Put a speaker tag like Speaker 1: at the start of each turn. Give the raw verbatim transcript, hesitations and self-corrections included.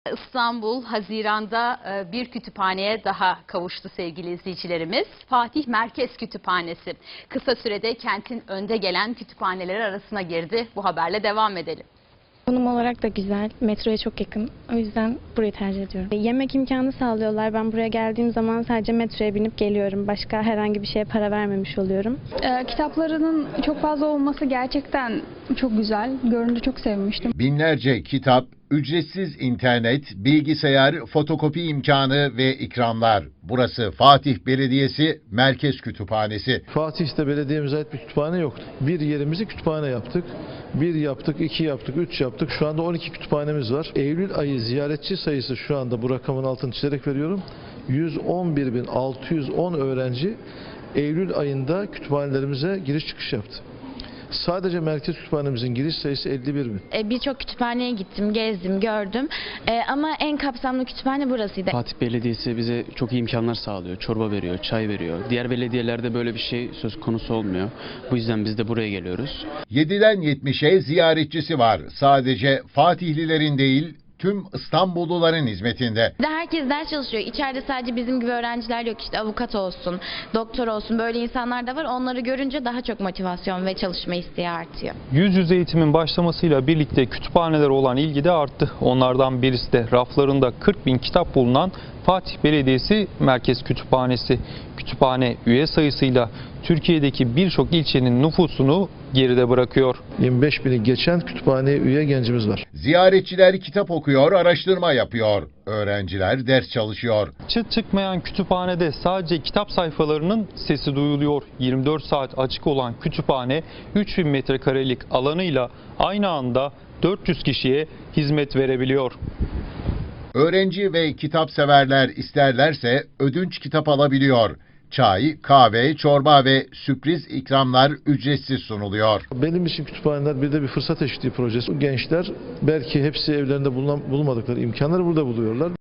Speaker 1: İstanbul Haziran'da bir kütüphaneye daha kavuştu sevgili izleyicilerimiz. Fatih Merkez Kütüphanesi kısa sürede kentin önde gelen kütüphaneleri arasına girdi. Bu haberle devam edelim.
Speaker 2: Konum olarak da güzel, metroya çok yakın. O yüzden burayı tercih ediyorum. Yemek imkanı sağlıyorlar. Ben buraya geldiğim zaman sadece metroya binip geliyorum. Başka herhangi bir şeye para vermemiş oluyorum.
Speaker 3: Ee, kitaplarının çok fazla olması gerçekten çok güzel. Görünce çok sevmiştim.
Speaker 4: Binlerce kitap, ücretsiz internet, bilgisayar, fotokopi imkanı ve ikramlar. Burası Fatih Belediyesi Merkez Kütüphanesi.
Speaker 5: Fatih'te belediyemize ait bir kütüphane yoktu. Bir yerimizi kütüphane yaptık. Bir yaptık, iki yaptık, üç yaptık. Şu anda on iki kütüphanemiz var. Eylül ayı ziyaretçi sayısı şu anda bu rakamın altını çizerek veriyorum. yüz on bir bin altı yüz on öğrenci Eylül ayında kütüphanelerimize giriş çıkış yaptı. Sadece merkez kütüphanemizin giriş sayısı elli bir bin.
Speaker 2: E, Birçok kütüphaneye gittim, gezdim, gördüm. E, ama en kapsamlı kütüphane burasıydı.
Speaker 6: Fatih Belediyesi bize çok iyi imkanlar sağlıyor. Çorba veriyor, çay veriyor. Diğer belediyelerde böyle bir şey söz konusu olmuyor. Bu yüzden biz de buraya geliyoruz.
Speaker 4: yediden yetmişe ziyaretçisi var. Sadece Fatihlilerin değil, tüm İstanbulluların hizmetinde.
Speaker 2: Herkes ders çalışıyor. İçeride sadece bizim gibi öğrenciler yok. İşte avukat olsun, doktor olsun, böyle insanlar da var. Onları görünce daha çok motivasyon ve çalışma isteği artıyor.
Speaker 7: Yüz yüze eğitimin başlamasıyla birlikte kütüphanelere olan ilgi de arttı. Onlardan birisi de raflarında kırk bin kitap bulunan Fatih Belediyesi Merkez Kütüphanesi. Kütüphane üye sayısıyla Türkiye'deki birçok ilçenin nüfusunu geride bırakıyor.
Speaker 5: yirmi beş bini geçen kütüphaneye üye gencimiz var.
Speaker 4: Ziyaretçiler kitap okuyor, araştırma yapıyor. Öğrenciler ders çalışıyor.
Speaker 7: Çıt çıkmayan kütüphanede sadece kitap sayfalarının sesi duyuluyor. yirmi dört saat açık olan kütüphane üç bin metrekarelik alanıyla aynı anda dört yüz kişiye hizmet verebiliyor.
Speaker 4: Öğrenci ve kitap severler isterlerse ödünç kitap alabiliyor. Çay, kahve, çorba ve sürpriz ikramlar ücretsiz sunuluyor.
Speaker 5: Benim için kütüphaneler bir de bir fırsat eşitliği projesi. Gençler belki hepsi evlerinde bulunan, bulmadıkları imkanları burada buluyorlar.